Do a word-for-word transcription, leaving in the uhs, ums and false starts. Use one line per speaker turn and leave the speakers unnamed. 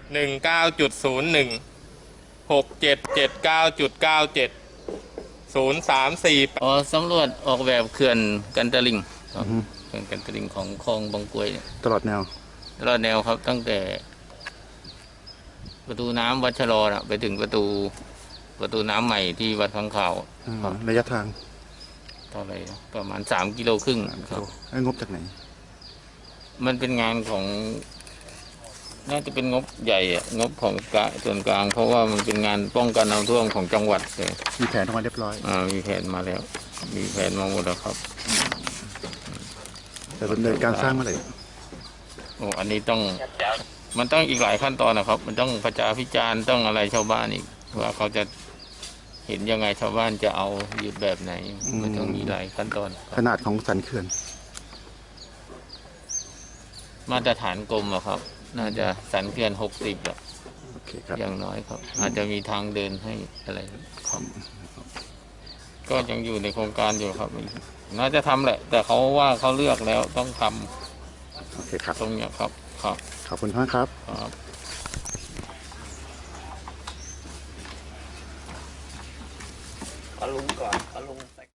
หนึ่งเก้าจุดศูนย์หนึ่งหกเจ็ดเจ็ดเก้าจุดเก้าเจ็ดศูนย์สามสี่
อ๋อสำรวจออกแบบเขื่อนกันตะลิงครั
อื
บ
อฮึ
เขื่อนกันตะลิงของคลองบางกรวยเนี่ย
ตลอดแนว
ตลอดแนวครับตั้งแต่ ประตูน้ำวัดชะลอนะไปถึงประตูประตูน้ำใหม่ที่วัดข้างขาว
อ่า
ครับ
ระยะทาง
เท่าไหร่นะประมาณสามกิโลครึ่งครับ
ให้งบจากไหน
มันเป็นงานของ น่าจะเป็นงบใหญ่อะงบของกะส่วนกลาง เพราะว่ามันเป็นงานป้องกันน้ำท่วมของจังหวัดเลย
มีแผนออกมาเรียบร้อย
อ่ามีแผนมาแล้ว มีแผนมาหมดแล้วครับ
แต่ดำเนินการสร้างเมื่อไหร่
โอ้อันนี้ต้อง มันต้องอีกหลายขั้นตอนนะครับ มันต้องประจาพิจารณ์ต้องอะไรชาวบ้านอีกว่าเขาจะเห็นยังไงชาวบ้านจะเอาอยู่แบบไหน มันต้องมีหลายขั้นตอนค
ข
รับ
นาดของสันเขื่อน
มาตรฐานกรมอะครับ น่าจะสันเขื่อนหกสิบอะ
โอเคครับ
อย่างน้อยครับ อาจจะมีทางเดินให้อะไรครับ ก็ยังอยู่ในโครงการอยู่ครับ น่าจะทำแหละ แต่เขาว่าเขาเลือกแล้วต้องทำ
โอเคครับ
ตรงเนี้ยครับครับ
ขอบคุณมากครับ
ครับ
เอาลุงก่อนเอาลุง